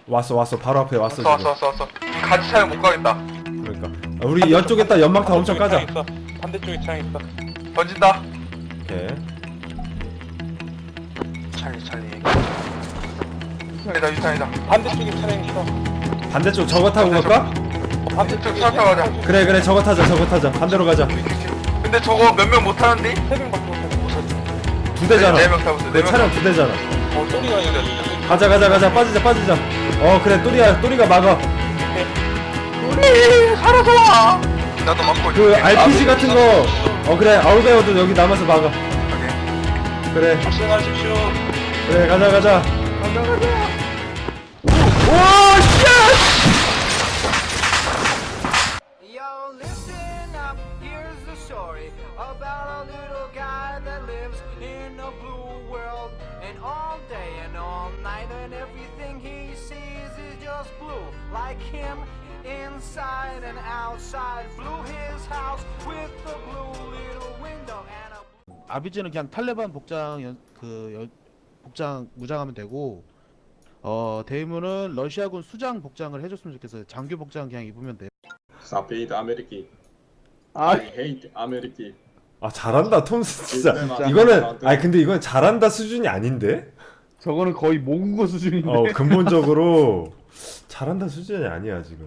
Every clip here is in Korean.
왔어 바로 앞에 왔어 지금. 왔어. 같이 차면 못 가겠다. 그러니까 우리 이쪽에다 연막탄 엄청 까자. 반대쪽에 창 있어. 던진다. 오케이. 찰리. 유탄이다. 반대쪽에 차량 있어. 반대쪽 저거 타고 갈까? 반대쪽 차 타고 가자. 그래 저거 타자 반대로 가자. 근데 저거 몇 명 못 타는데? 3명밖에 못하고. 두 대잖아. 네 명 타고 있어. 내 차량 두 대잖아. 소리가 있는데. 가자 빠지자. 그래 또리가 막아. 우리 살아서 와. 나도 막고. 그 RPG 같은 거 그래 아울베어도 여기 남아서 막아. 오케이. 그래 박승하십시오. 그래 가자. 오 쉣! Yo, listen up, here's the story about a little guy that lives in a blue world. And all day and all night, and everything he sees is just blue. Like him, inside and outside. Blue his house with a blue little window and a 아비지는 그냥 탈레반 복장 복장 무장하면 되고 데이문은 러시아군 수장 복장을 해줬으면 좋겠어요. 장교 복장 그냥 입으면 돼요. Stop hate America. 아, I hate America. 아 잘한다 톰스 진짜. 이거는 근데 이건 잘한다 수준이 아닌데? 저거는 거의 모국어 수준인데. 근본적으로 잘한다 수준이 아니야 지금.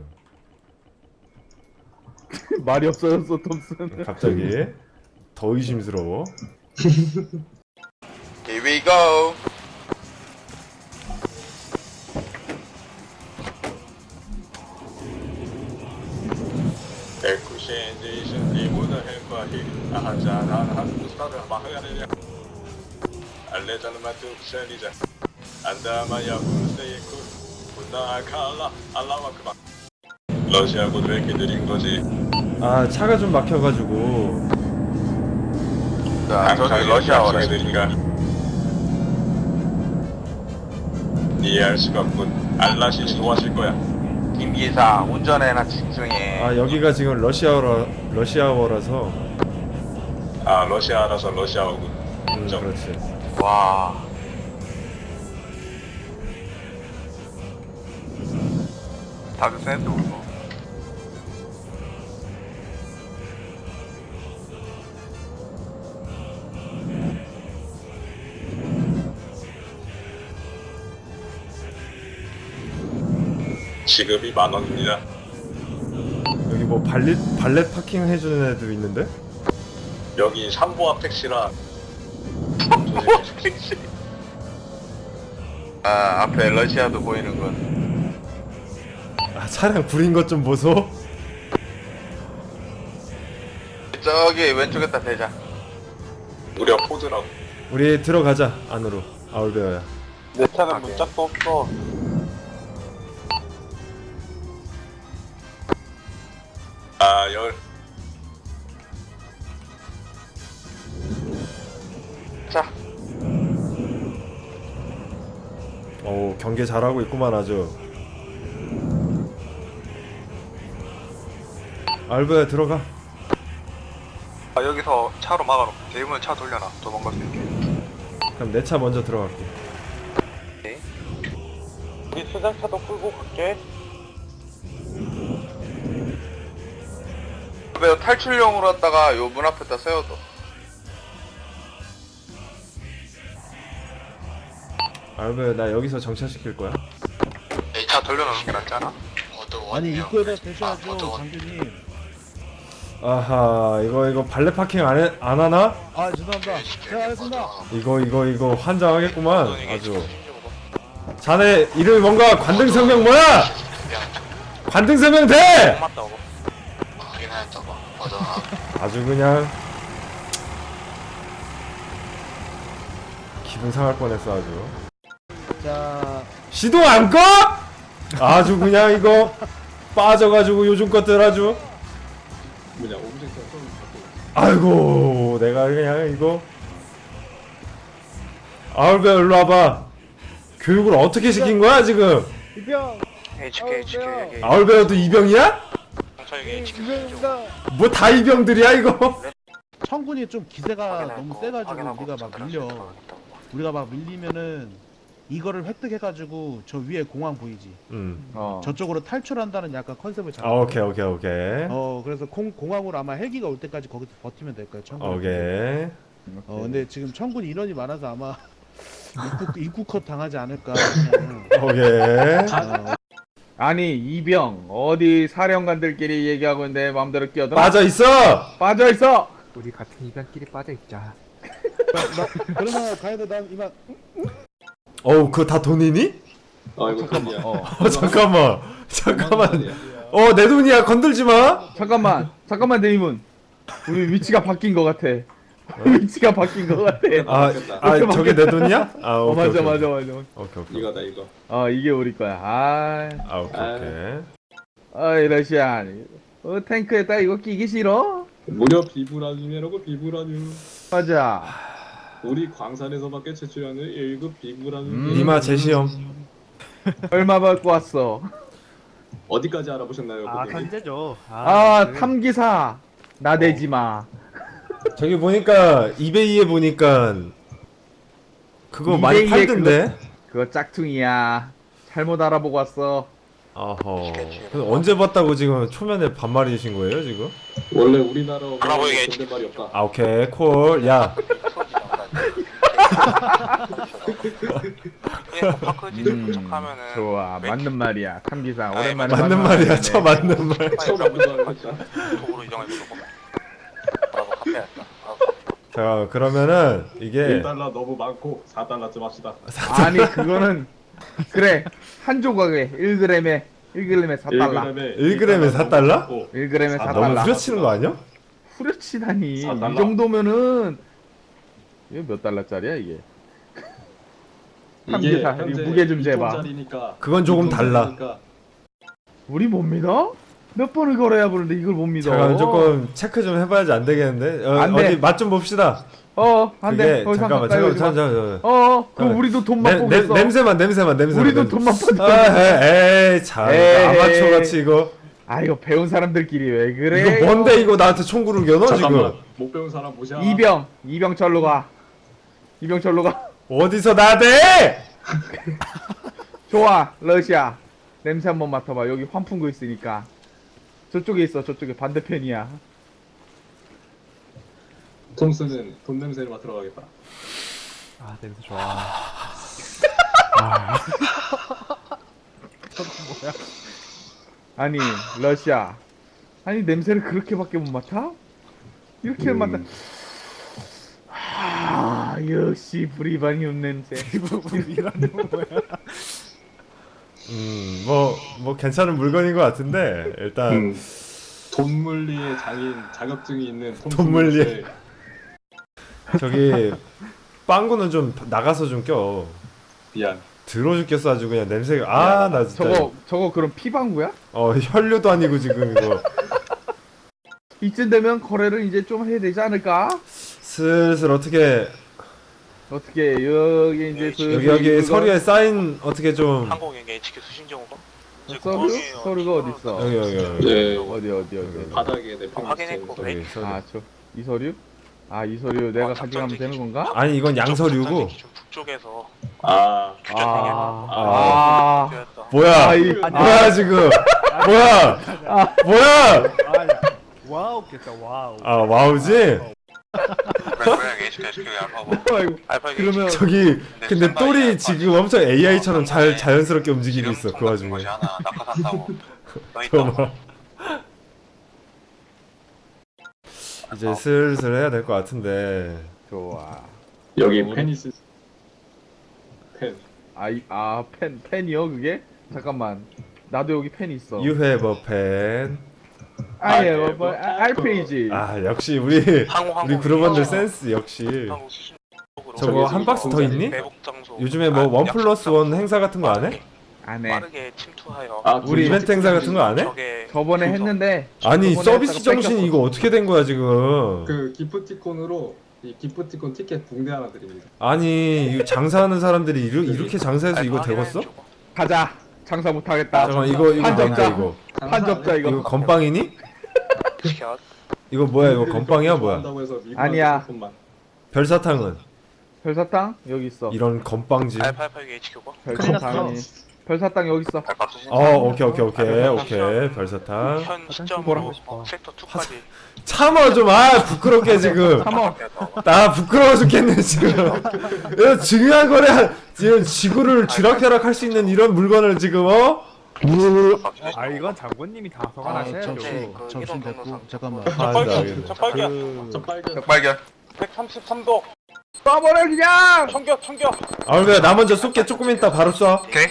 말이 없어졌어 톰슨. 갑자기 더 의심스러워. Here we go. 러시아군 왜 이렇게 느린 거지? 아 차가 좀 막혀가지고. 자, 저기 러시아어라. 느린가? 이해할 수가 없군. 알라시 좋아하실 거야. 김기사 운전해나 집중해. 아 여기가 지금 러시아어라서. 아 러시아라서 러시아어군. 인정. 그렇지. 와. 다들 센스 울고. 지급이 10,000원입니다. 여기 뭐 발렛 파킹 해주는 애도 있는데? 여기 삼보아 택시라. 아 앞에 러시아도 보이는군. 아 차량 구린 것 좀 보소. 저기 왼쪽에다 대자. 우리가 포드라고. 우리 들어가자 안으로. 아울베어야. 내 차는 문짝도 없어. 아 열. 자. 경계 잘하고 있구만 아주. 아울베어 들어가. 아, 여기서 차로 막아놓고 대문 차 돌려놔. 도망갈 수 있게. 그럼 내 차 먼저 들어갈게. 우리 수장차도 끌고 갈게. 왜 탈출용으로 했다가 요 문 앞에다 세워둬. 아울베어 나 여기서 정차시킬 거야. 이 차 돌려놓는 게 낫잖아. 아니 입구에다 대셔야죠 장교님. 아하 이거 발렛 파킹 안 하나? 아 죄송합니다. 제가 하겠습니다. 이거 환장하겠구만 아주. 자네 이름이 뭔가 관등성명 뭐야? 관등성명 돼! 맞다고. 아주 그냥 기분 상할 뻔했어 아주. 자 시동 안 꺼? 아주 그냥 이거 빠져가지고 요즘 것들 아주. 뭐냐 오브젝트 좀 갖고. 아이고 내가 그냥 이거. 아울베어 일로 와봐. 교육을 어떻게 시킨 거야 지금? 이병. HK. 아울베어도 이병이야? 이병입니다. 뭐 다 이병들이야 이거? 청군이 좀 기세가 너무 세가지고 우리가 막 밀리면은 이거를 획득해가지고 저 위에 공항 보이지? 저쪽으로 탈출한다는 약간 컨셉을 아, 잡았어요. 오케이, 오케이, 오케이. 그래서 공항으로 아마 헬기가 올 때까지 거기서 버티면 될 거예요. 청군. 오케이. 근데 지금 청군 인원이 많아서 아마 입구 컷 당하지 않을까. 오케이. 아니 이병 어디 사령관들끼리 얘기하고 있는데 마음대로 끼어들어? 빠져 있어. 빠져 있어. 우리 같은 입안끼리 빠져 있자. 그러면 가야돼. 난 이만. 어우, 그거 다 돈이니? 아 이거 돈이야. 잠깐만. 내 돈이야. 건들지 마. 잠깐만 데이문. 우리 위치가 바뀐 것 같아. 위치가 바뀐 것 같아. 저게 내 돈이야? 아, 오케이, 맞아. 오케이. 이거다 이거. 이게 우리 거야. 오케이. 어이 러시안. 탱크에다 이거 끼기 싫어? 무려 비브라늄이라고 비브라늄. 맞아. 우리 광산에서밖에 채취하는 1급 비브라늄. 니마 제시험. 얼마 받고 왔어? 어디까지 알아보셨나요? 현재죠. 탐기사. 나대지 마. 저기 보니까 이베이에 보니까 그거 많이 이베이에 팔던데. 그거 짝퉁이야. 잘못 알아보고 왔어. 어허. 근데 언제 봤다고 지금 초면에 반말이신 거예요 지금? 원래 우리나라 알아보이게 존댓말이 없다. 아, 오케이 콜. 야. 파크지를 도착하면은 좋아. 맞는 말이야. 탐기사. 아이, 오랜만에 맞는 말이야. 저 맞는 말. 처음 알고 알았다. 도구로 이동해주고 알아서 카페였다. 자, 그러면은 이게 1달러 너무 많고 4달러쯤 합시다. 아니 그거는 그래 한 조각에 1g에 4달러 1g에 4달러? 1g에 아, 너무 4달러 후려치는 거 아니야? 후려치다니 이 4달러. 정도면은 이게 몇 달러짜리야 이게 이게 탐기사 현재 무게 좀 재봐 2톤짜리니까 그건 조금 달라. 우리 못 믿어? 몇 번을 걸어야 보는데 이걸 못 믿어 잠깐 조금 체크 좀 해봐야지 안 되겠는데? 안 돼. 어디 맛 좀 봅시다. 안돼 그게 잠깐만 잠깐만. 그럼 우리도 돈 맛보겠어 냄새만. 우리도 돈 맛보겠어 에이 참 에이. 아마추어 같이 이거. 이거 배운 사람들끼리 왜 그래 이거 뭔데 이거 나한테 총구를 겨눠 잠깐만. 지금? 못 배운 사람 모셔. 이병 절로 가 이병 절로 가 어디서 나대? 좋아 러시아 냄새 한번 맡아봐 여기 환풍구 있으니까 저쪽에 있어 저쪽에 반대편이야 톰스는 돈 냄새를 맡으러 가겠다. 아 냄새 좋아. 아니 러시아 아니 냄새를 그렇게밖에 못 맡아? 이렇게 맡아 역시 브리바니움 냄새 뭐 괜찮은 물건인 것 같은데 일단 돈물리의 장인 자격증이 있는 톰스. 돈물리. 냄새. 저기 빵구는 좀 나가서 좀 껴. 미안. 들어 죽겠어 아주 그냥 냄새가. 나 진짜. 저거 그럼 피방구야? 혈류도 아니고 지금 이거. 이쯤 되면 거래를 이제 좀 해야 되지 않을까? 슬슬 어떻게 여기 이제 여기 서류에 사인 어떻게 좀. 한국에게 HQ 수신 경우가 서류가 어딨어? 여기. 네. 어디 바닥에 내 확인했고 저기 서류. 이 서류? 이 서류 내가 가져가면 되는 건가? 아니 이건 양서류고. 북쪽에서 뭐야? 뭐야 지금? 뭐야? 와우겠다 와우. 와우지? 그러면 저기 근데 똘이 지금 엄청 AI처럼 자연스럽게 움직이고 있어 그 와중에. 잠깐만. 이제 슬슬 해야 될 것 같은데. 좋아. 여기 페니스 펜. 펜이요 그게? 잠깐만. 나도 여기 펜 있어. You have a pen. RPG. 역시 우리 그룹원들 센스 역시. 저거 한 박스 더 있니? 요즘에 뭐 1+1 행사 같은 거 안 해? 안 해. 빠르게 침투하여 우리 이벤트 행사 같은 거 안 해? 저번에 했는데. 아니 저번에 서비스 했다가 정신이 뺏겼어. 이거 어떻게 된 거야 지금? 그 기프티콘으로 이 기프티콘 티켓 붕대 하나 드립니다. 아니 이거 장사하는 사람들이 이렇게 장사해서 이거 되겠어? 가자. 장사 못 하겠다. 잠깐 이거 한 뭔데 접자. 이거? 한 접자 이거 이거. 건빵이니? 이거 뭐야 이거 건빵이야 뭐야? 좋아한다고 해서 미국 아니야. 상품만. 별사탕은? 별사탕 여기 있어. 이런 건빵지. 알파이파이 HQ가? 별사탕이. 별사탕 여기 있어. 오케이 별사탕. 현 시점으로 섹터 2까지 참아 좀. 부끄럽게 지금. 참어. 나 부끄러워 죽겠네 지금. 이거 중요한 거래. 지금 지구를 쥐락펴락 할 수 있는 이런 물건을 지금 아 이건 장군님이 다 아, 소관하셔야죠. 접신 됐고 잠깐만. 알겠어. 발견 133도 쏴버려 그냥. 청격 그래 나 먼저 쏠게. 조금 있다 바로 쏴. 오케이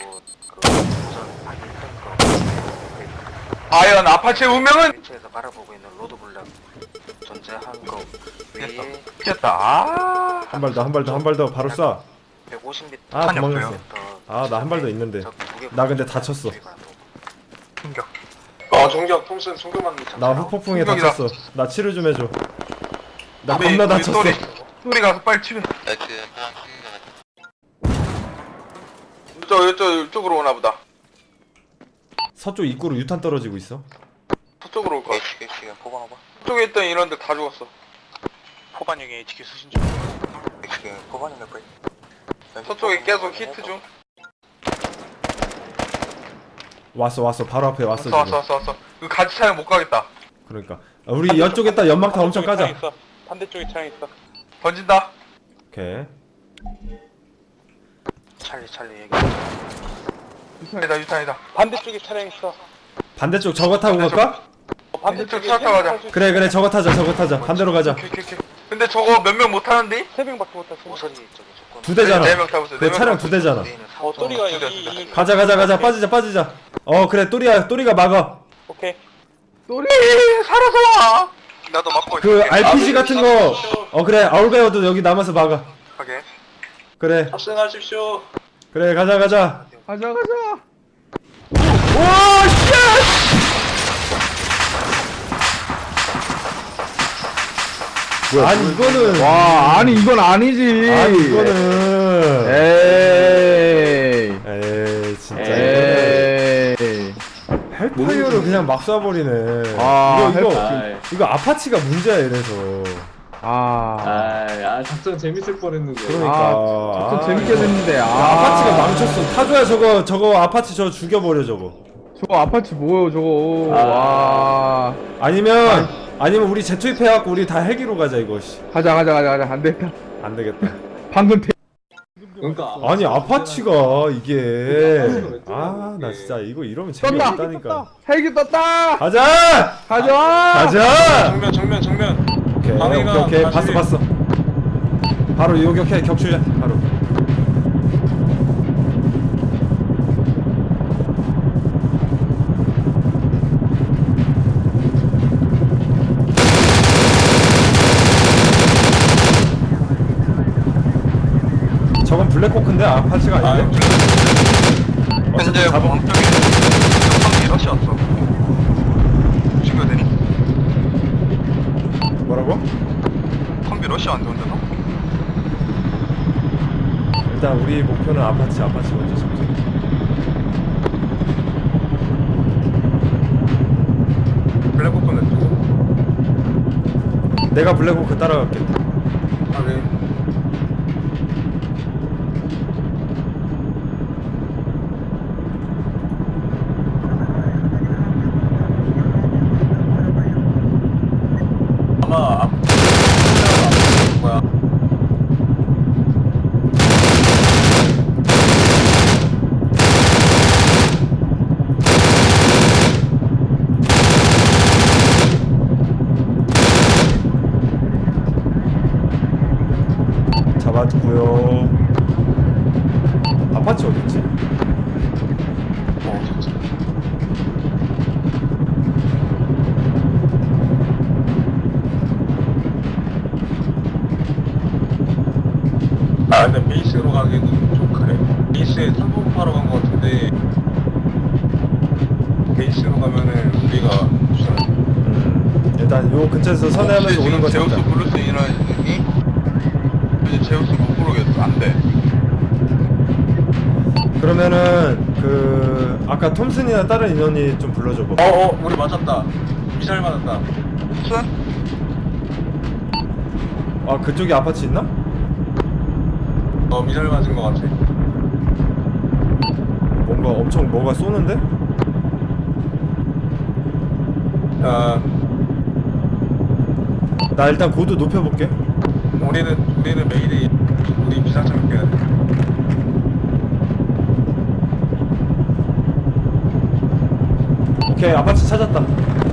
과연 아파치의 운명은? 근처에서 바라보고 있는 로드블럭 존재한 거 위에 튀었다. 한 발 더 바로 쏴. 150m 아 도망갔어. 나 한 발 더 있는데. 나 근데 다쳤어. 충격. 종격 톰슨 총격만 나 후폭풍에 충격이다. 다쳤어. 나 치료 좀 해줘. 나 겁나 다쳤어. 또리 가서 빨리 치료. 이쪽으로 오나 보다. 서쪽 입구로 유탄 떨어지고 있어. 서쪽으로 올 거야. 포방 오버 서쪽에 있던 인원들 다 죽었어. 포반형의 HQ 수신 중 포반형 몇 거야? 서쪽에 계속 히트 중. 왔어. 바로 앞에 왔어 지금. 왔어. 이거 같이 차면 못 가겠다. 그러니까 우리 이쪽에다 연막탄 엄청 까자. 반대쪽에 차량 있어 던진다. 오케이. 찰리 얘기 유탄이다. 반대쪽에 차량 있어 반대쪽 저거 타고 갈까? 반대쪽 차 타고 가자. 그래 저거 타자. 반대로 가자. 오케이. 근데 저거 몇 명 못 타는데? 3명밖에 못 탔어 우선이 저기 조건 두 대잖아. 네 명 타고 있어. 그 차량 두 대잖아. 또리가 여기 가자. 빠지자. 그래 또리가 막아. 오케이 또리 살아서 와. 나도 막고 있어. 그 RPG 같은 거. 그래 아울베어도 여기 남아서 막아. 오케이. 그래 탑승하십시오 가자. 가자. 아니 이거는 아니 이건 아니지. 이거는 에이 진짜 에이. 헬파이어를 그냥 막 쏴버리네. 이거 아파치가 문제야 이래서. 작전 재밌을 뻔했는데. 그러니까 좀 재밌게 됐는데. 아파치가 망쳤어. 타조야 저거 아파치 저거 죽여버려 저거. 저거 아파치 뭐예요 저거. 와. 아니면 우리 재투입해갖고 우리 다 헬기로 가자 이거. 가자. 안 됐다. 안 되겠다. 방금 그러니까 아니 아파치가 이게 나 진짜 이거 이러면 재미없다니까. 헬기 떴다. 가자. 정면 오케이 방해가 오케이 다시- 봤어. 바로 요격해 격추자 바로. 저건 블랙호크인데 아파치가 아닌데? 현재 잡아. 왕쪽에 컴비 러시 왔어. 친구들이. 뭐라고? 컴비 러시 안 좋은데 너? 일단 우리 목표는 아파치 먼저 잡자. 블랙호크는 누구? 내가 블랙호크 따라갈게. 네. 아마 뭐야 잡았고요. 아파치 어딨지? 근데 베이스로 가기는 좀 그래 베이스에 탐복하러 간 거 같은데 베이스로 가면은 우리가 일단 요 근처에서 선회하면서 오는 거 제우스 잡자. 부를 수 인원이 이제 제우스 못 부르겠어. 안 돼. 그러면은 그 아까 톰슨이나 다른 인원이 좀 불러줘봐. 우리 맞았다 미사일 맞았다 순? 그쪽에 아파치 있나? 미사일 맞은 거 같아. 뭔가 엄청 뭐가 쏘는데? 나 일단 고도 높여볼게. 우리는 메이데이, 우리 비상창 깨야 돼. 오케이, 아파트 찾았다.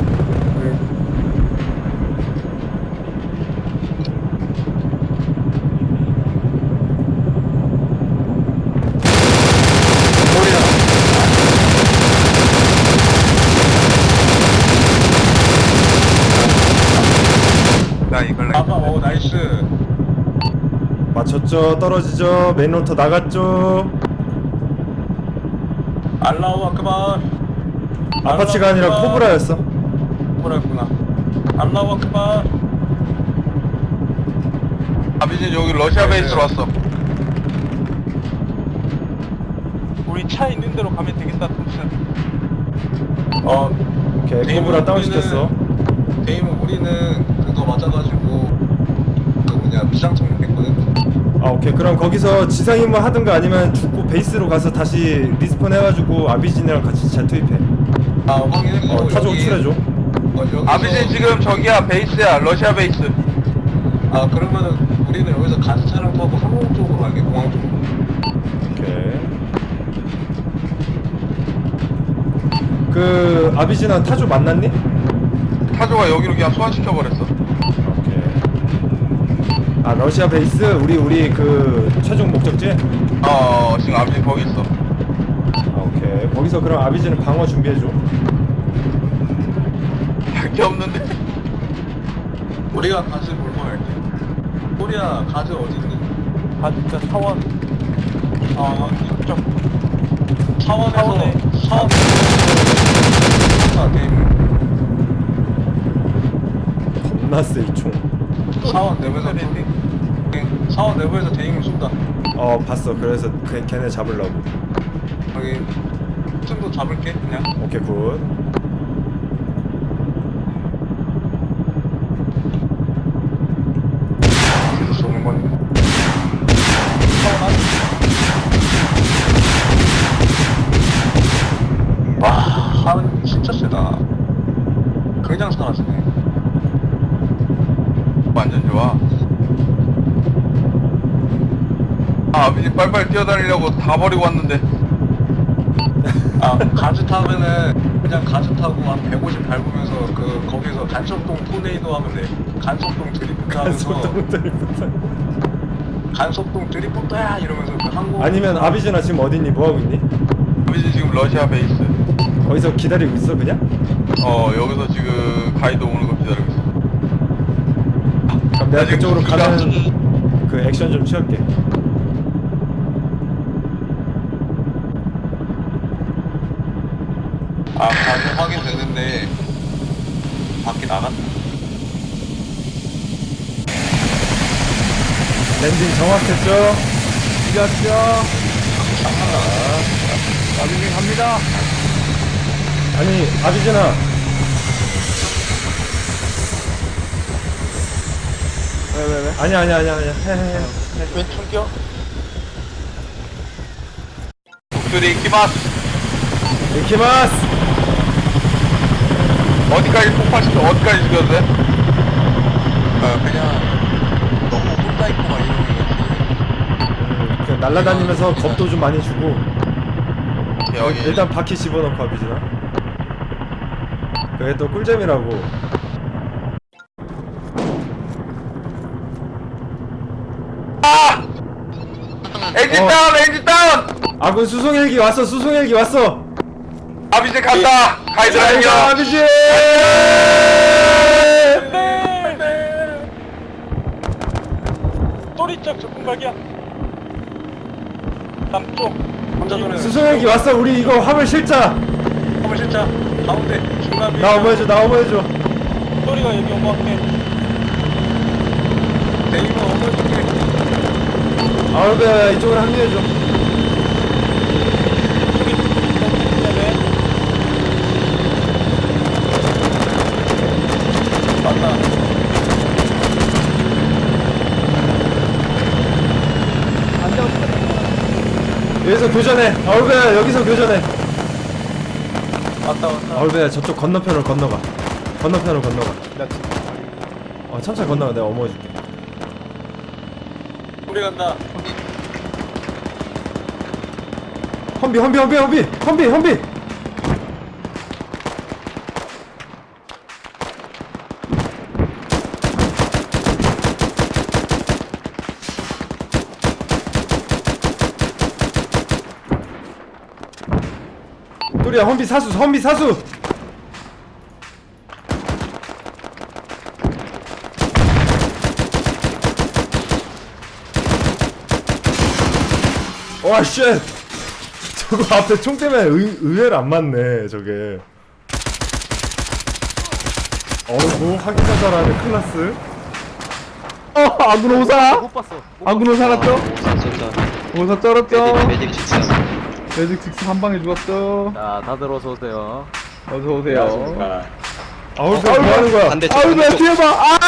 나 이걸 나이스. 맞췄죠. 떨어지죠. 메인로터 나갔죠. 알라우 아크발. 아파치가 아니라 코브라였어. 코브라였구나. 알라우 아크발. 아비진 여기 러시아 베이스로 왔어. 우리 차 있는 대로 가면 되겠다, 톰슨. 오케이, 코브라 다운 시켰어. 데이몬 우리는 그거 맞아가지고 그 뭐냐 비상청 했거든. 아, 오케이. 그럼 거기서 지상 임무 하든가 아니면 죽고 베이스로 가서 다시 리스폰 해가지고 아비진이랑 같이 재투입해. 확인했고. 타조 호출해줘. 아비진 지금 저기야, 베이스야, 러시아 베이스. 그러면은 우리는 여기서 가스 차량 타고 항공 쪽으로 갈게. 공항 쪽으로. 오케이. 그 아비진아 타조 만났니? 타조가 여기로 그냥 소환시켜버렸어. 오케이. 아, 러시아 베이스 우리 그 최종 목적지? 지금 아비진 거기 있어. 아, 오케이. 거기서 그럼 아비진은 방어 준비해줘. 할게 없는데. 우리가 가스 몰고 갈게. 코리아 가스 어디 있니? 아, 진짜 사원. 이쪽. 사원. 겁나 세, 이 총. 사원 내부에서 사원 내부에서 대행을 쏜다. 봤어. 그래서 걔네 잡으려고. 여기 틈도 잡을게 그냥. 오케이, 굿. 계속 쏘는 건. 와, 사원 진짜 세다. 그냥 사라지네. 완전 좋아. 아비진 빨리빨리 뛰어다니려고 다 버리고 왔는데. 가즈 타면은 그냥 가즈 타고 한 150 밟으면서 거기서 간석동 토네이도 하면 돼. 간석동 드리프트 하면서 간석동 드리프트야 이러면서 그 항공. 아니면 아비진아 지금 어딨니? 뭐하고 있니? 아비진 지금 러시아 베이스. 거기서 기다리고 있어 그냥? 여기서 지금 가이드 오는 거 기다리고 있어. 그럼 내가 지금 그쪽으로 수장- 가는 그 액션 좀 취할게. 가즈 확인됐는데 밖에 나갔다. 랜딩 정확했죠? 이겼죠? 아비진 갑니다. 아니, 아비진아. 왜? 아니야. 해. 왼 총격. 목소리 키마스. 이키마스! 어디까지 폭파시켜? 어디까지 죽여도 돼? 그냥 너무 혼자 있고 막 이러는 거지. 그냥 날라다니면서 겁도 좀 많이 주고. 여기 일단 바퀴 집어넣고 아비진아. 그게 또 꿀잼이라고. 엔진 다운, 엔진 다운. 아군 수송헬기 왔어. 아비진 간다. 가이드 안녕. 아비진! 또리짝 적군각이야. 남쪽. 혼자서는 수송헬기 왔어. 우리 이거 화물 실자. 한번 실자. 가운데 중간. 나 어머해줘. 또리가 여기 온 것 같아. 대인은 어머니께. 아우베 이쪽으로 합류해줘. 맞다. 안녕 여기서 교전해. 아울베야 여기서 교전해. 왔다. 아울베야 저쪽 건너편으로 건너가. 건너편으로 건너가. 천천히 건너가. 내가 어머해줄게. 우리 간다. 험비. 또리야 험비 사수. 와 쉣. 저거 앞에 총 때문에 의외로 안 맞네 저게. 어이구 하기가 잘하네 클라스. 아군 오사. 못 봤어. 아군 오사 났죠? 오사 쩔었죠? 매직 직선. 매직 직스 한 방에 죽었어. 자, 다들 어서 오세요. 어서 오세요. 아울베 뭐하는 거야? 반대쪽. 아울베 뒤에 봐.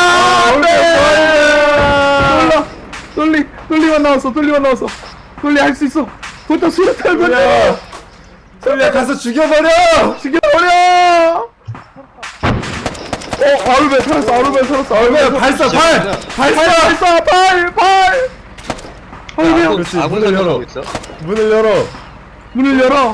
안돼. 돌리만 나왔어. 돌리 할 수 있어. 보통 수류탄 또리야 또리야 가서 죽여버려. 아울베 살았어. 아울베 발사 아울베 그렇지 문을 열어. 문을 열어.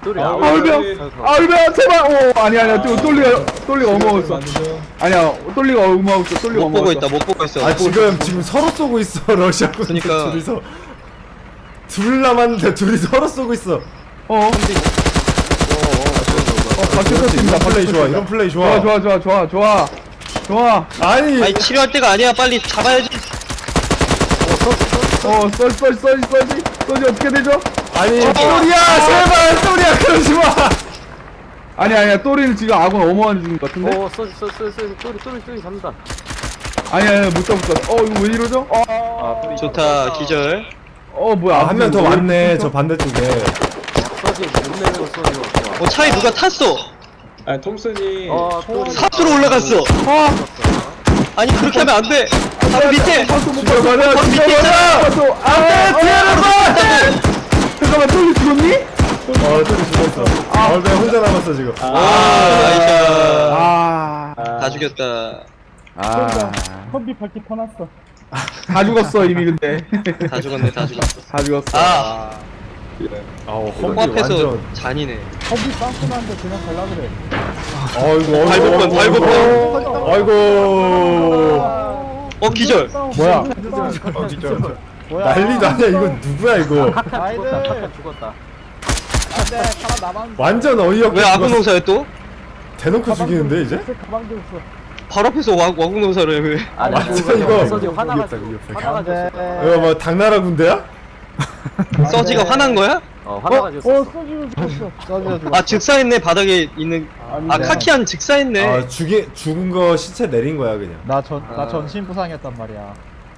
아울베 제발. 아니야. 돌리가 어마웠어. 아니야. 돌리가 어마웠어. 돌리가 못 보고 어마웠어. 있다. 못 보고 있어. 아 지금 서로 쏘고 있어 러시아군. 그러니까. 둘이서 둘 남았는데 둘이 서로 쏘고 있어. 바뀌었습니다. 플레이 좋아. 이런 플레이 좋아. 좋아. 아니 치료할 때가 아니야. 빨리 잡아야지. 썰지 어떻게 되죠? 아니 또리야 제발 또리야 그러지 마. 아니야. 또리는 지금 아군 어마어마한 중인 것 같은데? 쏘리 잡는다. 아니야. 못 잡았어. 이거 왜 이러죠? 좋다. 기절. 뭐야. 한 명 더 왔네 저 반대쪽에. 쏘지, 못 내는 거 쏘지. 차에 누가 탔어. 아 톰슨이 삽수로 올라갔어. 아니 그렇게 하면 안 돼. 바로 밑에. 바로 밑에 있잖아. 잠깐만, 또리 죽었니? 또리 죽었어. 아울베 혼자 남았어 지금. 다 죽였다. 컴비 밝기 터났어. 다 죽었어 이미. 근데 다 죽었네. 다 죽었어. 다 죽었어. 험비 코앞에서 완전. 잔이네. 아이고 발버둥. 아이고. 기절. 뭐야? 난리도 아니야. 이거 누구야 이거. 죽었다. 완전 어이없게 왜 아군 죽었어. 농사야 또? 대놓고 죽이는데 이제? 바로 앞에서 와군 농사를 해 왜? 아니, 완전 이거 쏘지, 화나가 이거 뭐 당나라 군대야? 서지가 화난 거야? 화나가 죽었어. 아 즉사했네. 바닥에 있는. 카키한 즉사했네. 아 죽은 거 시체 내린 거야 그냥. 나 전신 부상이었단 말이야.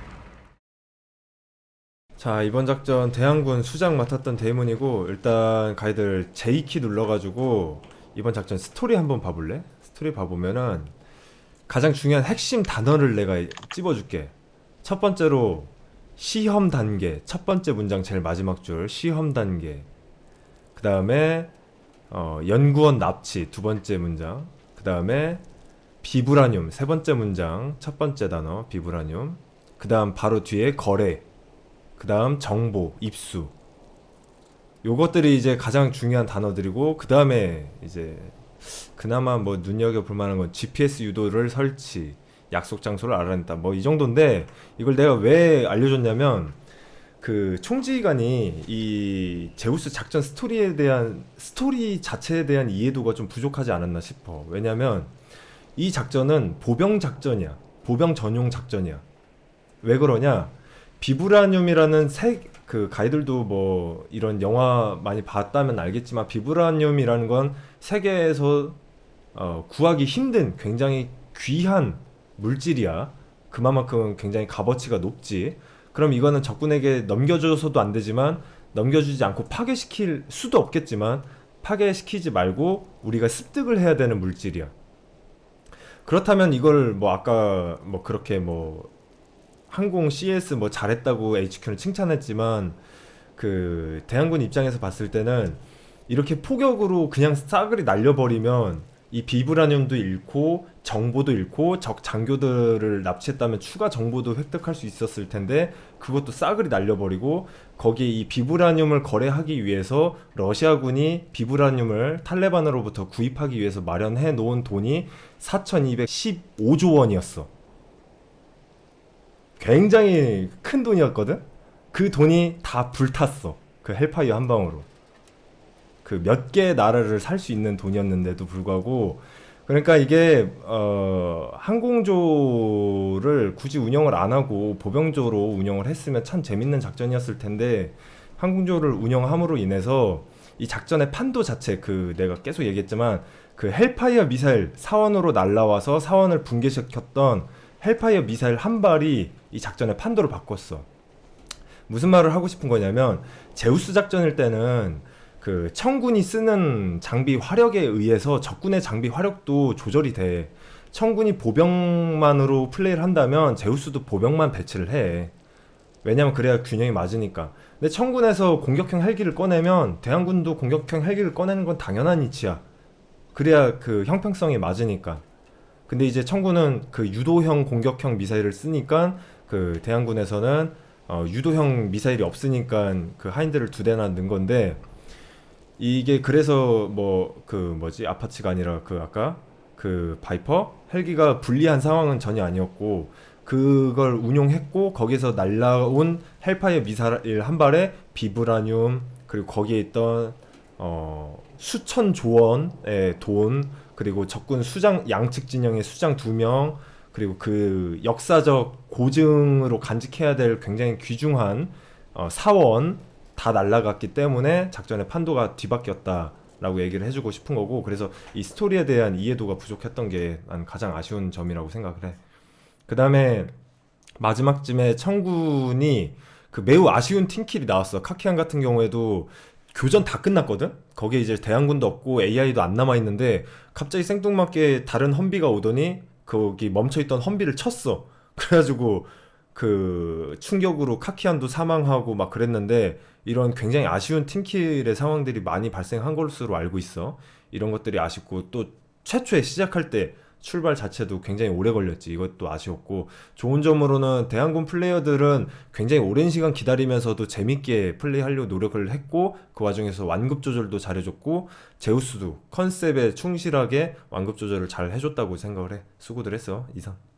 자 이번 작전 대항군 수장 맡았던 데이몬이고 일단 가이들 J키 눌러가지고 이번 작전 스토리 한번 봐볼래? 스토리 봐보면은 가장 중요한 핵심 단어를 내가 찝어줄게. 첫 번째로 시험 단계. 첫 번째 문장 제일 마지막 줄 시험 단계. 그 다음에 연구원 납치 두 번째 문장. 그 다음에 비브라늄 세 번째 문장 첫 번째 단어 비브라늄. 그 다음 바로 뒤에 거래. 그 다음 정보, 입수. 요것들이 이제 가장 중요한 단어들이고 그 다음에 이제 그나마 뭐 눈여겨볼 만한 건 GPS 유도를 설치, 약속 장소를 알아냈다 뭐 이 정도인데 이걸 내가 왜 알려줬냐면 그 총지휘관이 이 제우스 작전 스토리 자체에 대한 이해도가 좀 부족하지 않았나 싶어. 왜냐면 이 작전은 보병 작전이야. 보병 전용 작전이야. 왜 그러냐? 비브라늄이라는 그 가이들도 뭐 이런 영화 많이 봤다면 알겠지만 비브라늄이라는 건 세계에서 구하기 힘든 굉장히 귀한 물질이야. 그만큼 굉장히 값어치가 높지. 그럼 이거는 적군에게 넘겨줘서도 안 되지만 넘겨주지 않고 파괴시킬 수도 없겠지만 파괴시키지 말고 우리가 습득을 해야 되는 물질이야. 그렇다면 이걸 뭐 아까 뭐 그렇게 뭐 항공 CS 뭐 잘했다고 HQ는 칭찬했지만 그 대항군 입장에서 봤을 때는 이렇게 포격으로 그냥 싸그리 날려버리면 이 비브라늄도 잃고 정보도 잃고 적 장교들을 납치했다면 추가 정보도 획득할 수 있었을 텐데 그것도 싸그리 날려버리고 거기에 이 비브라늄을 거래하기 위해서 러시아군이 비브라늄을 탈레반으로부터 구입하기 위해서 마련해 놓은 돈이 4,215조 원이었어. 굉장히 큰 돈이었거든? 그 돈이 다 불탔어. 그 헬파이어 한 방으로. 그 몇 개의 나라를 살 수 있는 돈이었는데도 불구하고 그러니까 이게 항공조를 굳이 운영을 안 하고 보병조로 운영을 했으면 참 재밌는 작전이었을 텐데 항공조를 운영함으로 인해서 이 작전의 판도 자체 그 내가 계속 얘기했지만 그 헬파이어 미사일 사원으로 날라와서 사원을 붕괴시켰던 헬파이어 미사일 한 발이 이 작전의 판도를 바꿨어. 무슨 말을 하고 싶은 거냐면 제우스 작전일 때는 그 청군이 쓰는 장비 화력에 의해서 적군의 장비 화력도 조절이 돼. 청군이 보병만으로 플레이를 한다면 제우스도 보병만 배치를 해. 왜냐면 그래야 균형이 맞으니까. 근데 청군에서 공격형 헬기를 꺼내면 대항군도 공격형 헬기를 꺼내는 건 당연한 이치야. 그래야 그 형평성이 맞으니까. 근데 이제 청군은 그 유도형 공격형 미사일을 쓰니까 그 대항군에서는 유도형 미사일이 없으니까 그 하인드를 2대나 넣은 건데 이게 그래서 뭐 그 뭐지 아파치가 아니라 그 아까 그 바이퍼 헬기가 불리한 상황은 전혀 아니었고 그걸 운용했고 거기서 날라온 헬파이어 미사일 한 발에 비브라늄 그리고 거기에 있던 수천조 원의 돈 그리고 적군 수장 양측 진영의 수장 2명 그리고 그 역사적 고증으로 간직해야 될 굉장히 귀중한 사원 다 날라갔기 때문에 작전의 판도가 뒤바뀌었다라고 얘기를 해주고 싶은 거고 그래서 이 스토리에 대한 이해도가 부족했던 게 난 가장 아쉬운 점이라고 생각을 해. 그 다음에 마지막쯤에 청군이 그 매우 아쉬운 팀킬이 나왔어. 카키안 같은 경우에도 교전 다 끝났거든? 거기에 이제 대항군도 없고 AI도 안 남아있는데 갑자기 생뚱맞게 다른 험비가 오더니 거기 멈춰있던 험비를 쳤어. 그래가지고 그 충격으로 카키안도 사망하고 막 그랬는데 이런 굉장히 아쉬운 팀킬의 상황들이 많이 발생한 것으로 알고 있어. 이런 것들이 아쉽고 또 최초에 시작할 때 출발 자체도 굉장히 오래 걸렸지. 이것도 아쉬웠고 좋은 점으로는 대항군 플레이어들은 굉장히 오랜 시간 기다리면서도 재밌게 플레이하려고 노력을 했고 그 와중에서 완급 조절도 잘해줬고 제우스도 컨셉에 충실하게 완급 조절을 잘 해줬다고 생각을 해. 수고들 했어. 이상.